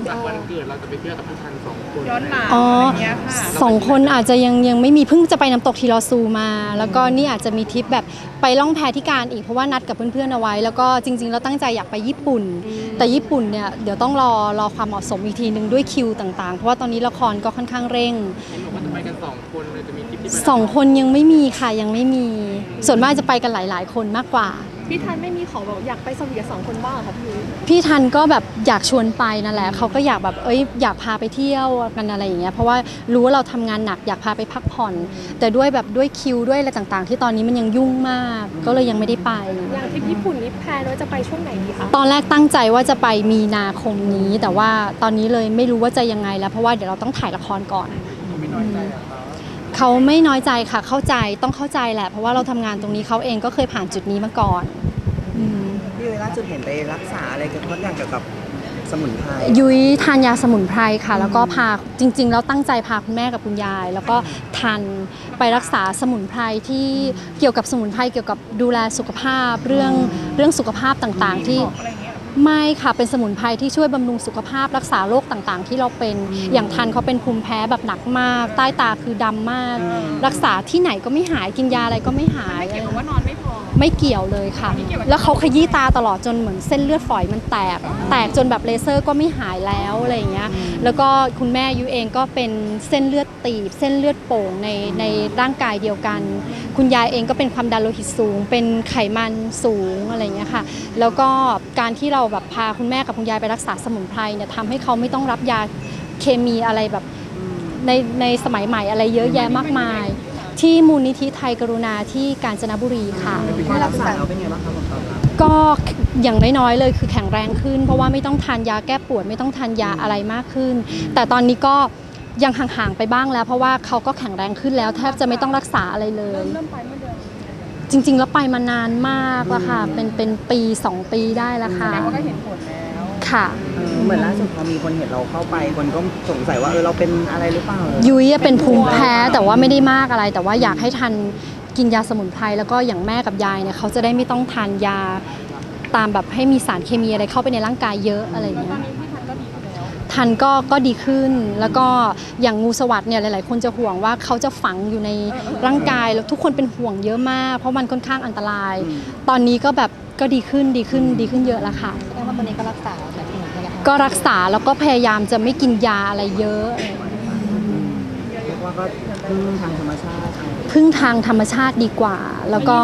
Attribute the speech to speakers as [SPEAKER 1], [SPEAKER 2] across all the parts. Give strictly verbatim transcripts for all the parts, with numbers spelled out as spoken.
[SPEAKER 1] วันเกิดเราจะไปเที่ยวกับพี่ทันสองคน
[SPEAKER 2] ย้อนหลังอะไรเงี้ยค่ะ
[SPEAKER 3] สองคนอาจจะยังยังไม่มีเพิ่งจะไปน้ำตกทีลอซูมาแล้วก็นี่อาจจะมีทริปแบบไปล่องแพที่การอีกเพราะว่านัดกับเพื่อนๆเอาไว้แล้วก็จริงๆเราตั้งใจอยากไปญี่ปุ่นแต่ญี่ปุ่นเนี่ยเดี๋ยวต้องรอรอความเหมาะสมอีกทีนึงด้วยคิวต่างๆเพราะว่าตอนนี้ละครก็ค่อนข้างเร่ง
[SPEAKER 1] เห็นบอกว่าจะไปกันสองคนเลยจะมีทริปที่
[SPEAKER 3] สองคนยังไม่มีค่ะยังไม่มีส่วนมากจะไปกันหลายๆคนมากกว่า
[SPEAKER 2] พี่ทันไม่มีขอแบบอยากไปสวีทสองคนบ้างค่ะพี่
[SPEAKER 3] พี่ทันก็แบบอยากชวนไปนั่นแหละเขาก็อยากแบบเอ้ยอยากพาไปเที่ยวกันอะไรอย่างเงี้ยเพราะว่ารู้ว่าเราทำงานหนักอยากพาไปพักผ่อนแต่ด้วยแบบด้วยคิวด้วยอะไรต่างๆที่ตอนนี้มันยังยุ่งมากก็เลยยังไม่ได้ไป
[SPEAKER 2] อย่างทริปญี่ปุ่นนี่แพลนว่าจะไปช่วงไหนดีคะ
[SPEAKER 3] ตอนแรกตั้งใจว่าจะไปมีนาคมนี้แต่ว่าตอนนี้เลยไม่รู้ว่าจะยังไงแล้วเพราะว่าเดี๋ยวเราต้องถ่ายละครก่อนเขาไม่น้อยใจค่ะเข้าใจต้องเข้าใจแหละเพราะว่าเราทำงานตรงนี้เขาเองก็เคยผ่านจุดนี้มาก่อน
[SPEAKER 4] พี่ยุ้ยล่าสุดเห็นไปรักษาอะไรเกี่ยวกับเกี่ยวกับสมุนไพร
[SPEAKER 3] ยุ้ยทานยาสมุนไพรค่ะแล้วก็พาจริงๆแล้วตั้งใจพาคุณแม่กับคุณยายแล้วก็ทานไปรักษาสมุนไพรที่เกี่ยวกับสมุนไพรเกี่ยวกับดูแลสุขภาพเรื่องเรื่องสุขภาพต่างๆที่ไม่ค่ะเป็นสมุนไพรที่ช่วยบำรุงสุขภาพรักษาโรคต่างๆที่เราเป็นอย่างทันเขาเป็นภูมิแพ้แบบหนักมากใต้ตาคือดำมากรักษาที่ไหนก็ไม่หายกินยาอะไรก็ไม่หาย
[SPEAKER 2] ไม่เกี่ยวกับว่านอนไม่พอ
[SPEAKER 3] ไม่เกี่ยวเลยค่ะแล้วเขาขยี้ตาตลอดจนเหมือนเส้นเลือดฝอยมันแตกแตกจนแบบเลเซอร์ก็ไม่หายแล้วอะไรอย่างเงี้ยแล้วก็คุณแม่ยุ้ยเองก็เป็นเส้นเลือดตีบเส้นเลือดโป่งในในร่างกายเดียวกันคุณยายเองก็เป็นความดันโลหิตสูงเป็นไขมันสูงอะไรอย่างเงี้ยค่ะแล้วก็การที่เราแบบพาคุณแม่กับคุณยายไปรักษาสมุนไพรเนี่ยทำให้เขาไม่ต้องรับยาเคมีอะไรแบบในในสมัยใหม่อะไรเยอะแยะมากมายที่มูลนิธิไทยกรุณาที่กาญจนบุรีค่ะ
[SPEAKER 4] รักษาเราเป็นไงบ้างคะผลตอบรับ
[SPEAKER 3] ก็อย่างน้อยๆเลยคือแข็งแรงขึ้นเพราะว่าไม่ต้องทานยาแก้ปวดไม่ต้องทานยาอะไรมากขึ้นแต่ตอนนี้ก็ยังห่างๆไปบ้างแล้วเพราะว่าเขาก็แข็งแรงขึ้นแล้วแทบจะไม่ต้องรักษาอะไรเลย
[SPEAKER 2] เริ่มไปเมื่อเดือน
[SPEAKER 3] จริงๆแล้วไปมานานมากแล้วค่ะเป็นเป็นปีสองปีได้แล้วค่ะ
[SPEAKER 2] แสดงว่าก็เห็นผลแล้ว
[SPEAKER 3] ค่ะ
[SPEAKER 4] เหมือนล่าสุดพอมีคนเห็นเราเข้าไปคนก็สงสัยว่าเออเราเป็นอะไรหรือเปล่า
[SPEAKER 3] ยุ้ยเป็นภูมิแพ้แต่ว่าไม่ได้มากอะไรแต่ว่าอยากให้ทันกินยาสมุนไพรแล้วก็อย่างแม่กับยายเนี่ยเขาจะได้ไม่ต้องทานยาตามแบบให้มีสารเคมีอะไรเข้าไปในร่างกายเยอะอะไรอย่างเงี้ยทันก็ก็ดีขึ้นแล้วก็อย่างงูสวัสด์เนี่ยหลายๆคนจะห่วงว่าเขาจะฝังอยู่ในร่างกายแล้วทุกคนเป็นห่วงเยอะมากเพราะมันค่อนข้างอันตรายตอนนี้ก็แบบก็ดีขึ้นดีขึ้นดีขึ้นเยอะแล้วค่ะ
[SPEAKER 2] แสดงว่าตอนนี้ก็รักษาแบบนี้เหมือนกัน
[SPEAKER 3] ก็รักษาแล้วก็พยายามจะไม่กินยาอะไรเยอะ
[SPEAKER 4] เรียกว่าก็พึ่งทางธรรมชาติ
[SPEAKER 3] พึ่งทางธรรมชาติดีกว่าแล้วก็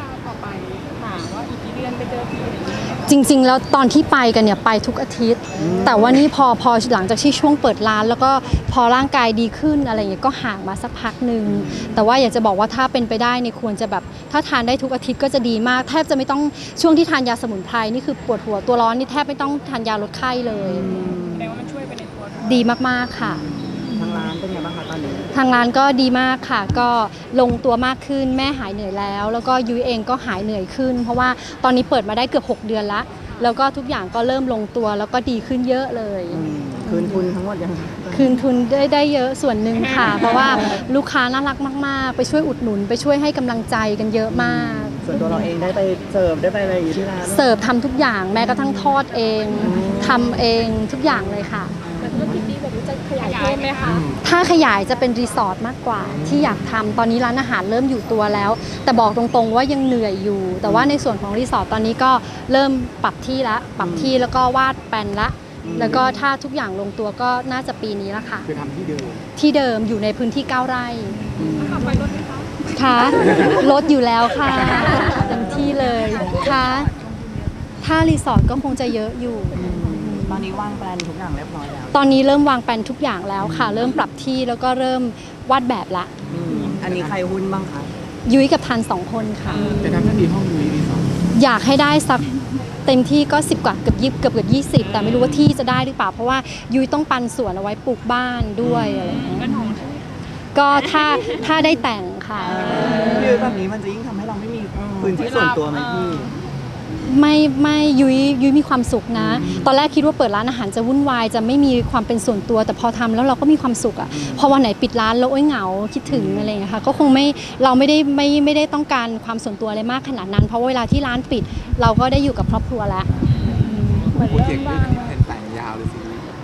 [SPEAKER 3] จริงๆแล้วตอนที่ไปกันเนี่ยไปทุกอาทิตย์แต่ว่านี่พอพอหลังจากที่ช่วงเปิดร้านแล้วก็พอร่างกายดีขึ้นอะไรอย่างเงี้ยก็ห่างมาสักพักหนึ่งแต่ว่าอยากจะบอกว่าถ้าเป็นไปได้เนี่ยควรจะแบบถ้าทานได้ทุกอาทิตย์ก็จะดีมากแทบจะไม่ต้องช่วงที่ทานยาสมุนไพรนี่คือปวดหัวตัวร้อนนี่แทบไม่ต้องทานยาลดไข้เลย
[SPEAKER 2] แสดงว่ามันช่วยไปในตัว
[SPEAKER 3] ดีมากๆค่ะ
[SPEAKER 4] ทางร้านเป็นไงบ้างคะตอนนี้
[SPEAKER 3] ทางร้านก็ดีมากค่ะก็ลงตัวมากขึ้นแม่หายเหนื่อยแล้วแล้วก็ยุ้ยเองก็หายเหนื่อยขึ้นเพราะว่าตอนนี้เปิดมาได้เกือบหกเดือนละแล้วก็ทุกอย่างก็เริ่มลงตัวแล้วก็ดีขึ้นเยอะเลย
[SPEAKER 4] คืนทุนทั้งหมดยัง
[SPEAKER 3] คืนทุนได้ได้เยอะส่วนหนึ่งค่ะเพราะว่าลูกค้าน่ารักมากๆไปช่วยอุดหนุนไปช่วยให้กำลังใจกันเยอะมาก
[SPEAKER 4] ส่วนตัวเราเองได้ไปเสิร์ฟได้ไปอะไรอยู่ที่ร้าน
[SPEAKER 3] เสิร์ฟทำทุกอย่างแม้กระทั่งทอดเองทำเองทุกอย่างเลยค่ะ
[SPEAKER 2] ธุรกิจนี้แบบนี้จะขยายเพิ่มไหมคะ
[SPEAKER 3] ถ้าขยายจะเป็นรีสอร์ทมากกว่าที่อยากทำตอนนี้ร้านอาหารเริ่มอยู่ตัวแล้วแต่บอกตรงๆว่ายังเหนื่อยอยู่แต่ว่าในส่วนของรีสอร์ทตอนนี้ก็เริ่มปรับที่ละปรับที่แล้วก็วาดแปลนละแล้วก็ถ้าทุกอย่างลงตัวก็น่าจะปีนี้ละค่ะ
[SPEAKER 1] คือทำที่เดิม
[SPEAKER 3] ที่เดิมอยู่ในพื้นที่เก้าไร่
[SPEAKER 2] ขับไปรถไหมคะ
[SPEAKER 3] ค่ะรถอยู่แล้วค่ะเต็มที่เลยค่ะถ้ารีสอร์ทก็คงจะเยอะอยู่
[SPEAKER 4] ตอนนี้วางแปลนทุกอย่างเรียบร้อยแล้ว
[SPEAKER 3] ตอนนี้เริ่มวางแปลนทุกอย่างแล้วค่ะเริ่มปรับที่แล้วก็เริ่มวาดแบบละ
[SPEAKER 4] อันนี้ใครหุ้นบ้างคะ
[SPEAKER 3] ยุ้ยกับทันสองคนค่ะ
[SPEAKER 1] จะทำหน้าที่ห้องยุ้ยรีสอร์ท
[SPEAKER 3] อยากให้ได้สักเต็มที่ก็สิบกว่าเกือบยี่เกือบเกือบยี่สิบแต่ไม่รู้ว่าที่จะได้หรือเปล่าเพราะว่ายุ้ยต้องปันสวนเอาไว้ปลูกบ้านด้วยอะไรอย่างเงี้ยก็ถ้าถ้าได้แต่งค่ะ
[SPEAKER 4] คือแบบนี้มันจะยิ่งทำให้เราไม่มีพื้นที่ส่วนตัวไหมพี่
[SPEAKER 3] ไม่ไม่ยุ้ยยุ้ยมีความสุขนะตอนแรกคิดว่าเปิดร้านอาหารจะวุ่นวายจะไม่มีความเป็นส่วนตัวแต่พอทำแล้วเราก็มีความสุขอ่ะพอวันไหนปิดร้านแล้วโอ๊ยเหงาคิดถึงอะไรอย่างเงี้ยค่ะก็คงไม่เราไม่ได้ไม่ไม่ได้ต้องการความส่วนตัวอะไรมากขนาดนั้นเพราะเวลาที่ร้านปิดเราก็ได้อยู่กับครอบครัวแล้ว
[SPEAKER 1] เหมือนเริ่มบ้างแผนแต่งยาวเลยสิ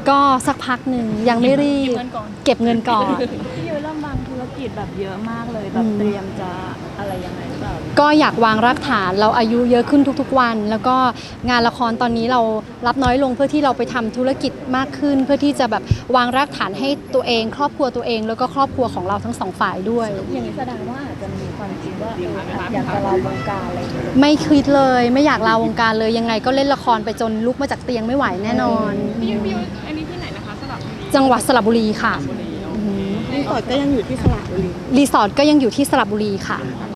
[SPEAKER 3] ก็สักพักหนึ่งยังไม่รีบ
[SPEAKER 2] เงินก่อน
[SPEAKER 3] เก็บเงินก่อน
[SPEAKER 5] พี่ยุ้ยเริ่มวางธุรกิจแบบเยอะมากเลยแบบเตรียมจะอะไรยังไงหรือเปล่า
[SPEAKER 3] ก็อยากวางรากฐานเราอายุเยอะขึ้นทุกๆวัน แล้วก็งานละครตอนนี้เรารับน้อยลงเพื่อที่เราไปทำธุรกิจมากขึ้น เพื่อที่จะแบบวางรากฐานให้ตัวเอง ครอบครัวตัวเอง แล้วก็ครอบครัวของเราทั้งสองฝ่ายด้วย
[SPEAKER 5] อย่างนี้แสดงว่าอาจจะมีความคิดว่าเอออยากจะลาวงการอะไรอย่างเงี้ย
[SPEAKER 3] ไม่คิดเลยไม่อยากลาวงการเลยยังไงก็เล่นละครไปจนลุกมาจากเตียงไม่ไหวแน่นอน
[SPEAKER 2] พี่ยุ้ยพี่ยุ้ยอันนี้ที่ไหนนะคะสลับบุรี
[SPEAKER 3] จังหวัดสระบุรีค่ะอืม
[SPEAKER 5] รีสอร์ทก็ยังอยู่ที่สระบุรี
[SPEAKER 3] รีสอร์ทก็ยังอยู่ที่สระบุรีค่ะ